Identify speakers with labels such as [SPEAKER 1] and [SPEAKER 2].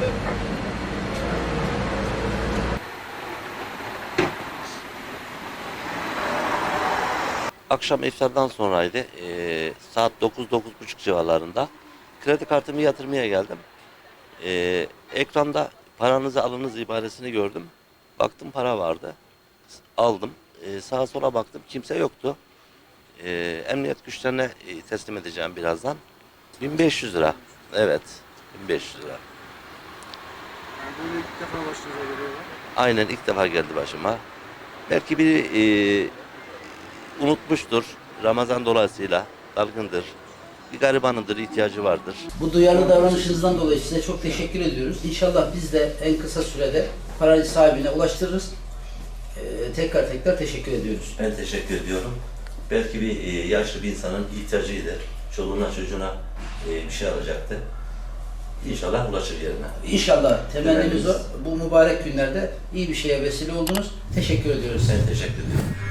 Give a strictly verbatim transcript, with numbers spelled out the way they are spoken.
[SPEAKER 1] Akşam iftardan sonraydı. Ee, saat dokuz dokuz buçuk civarlarında. Kredi kartımı yatırmaya geldim. Ee, ekranda paranızı alınız ibaresini gördüm. Baktım para vardı. Aldım. Ee, sağa sola baktım. Kimse yoktu. Ee, emniyet güçlerine e, teslim edeceğim birazdan. bin beş yüz lira. Evet. bin beş yüz lira.
[SPEAKER 2] Yani böyle ilk defa başınıza geliyor.
[SPEAKER 1] Aynen ilk defa geldi başıma. Belki biri e, unutmuştur. Ramazan dolayısıyla dalgındır. Bir garibanındır, ihtiyacı vardır.
[SPEAKER 3] Bu duyarlı davranışınızdan dolayı size çok teşekkür ediyoruz. İnşallah biz de en kısa sürede parayı sahibine ulaştırırız. Ee, tekrar tekrar teşekkür ediyoruz.
[SPEAKER 1] Ben teşekkür ediyorum. Belki bir e, yaşlı bir insanın ihtiyacıydı. Çoluğuna çocuğuna e, bir şey alacaktı. İnşallah ulaşır yerine.
[SPEAKER 3] İnşallah temennimiz o.
[SPEAKER 1] Temennimiz.
[SPEAKER 3] Bu mübarek günlerde iyi bir şeye vesile oldunuz. Teşekkür ediyoruz.
[SPEAKER 1] Ben teşekkür ediyorum.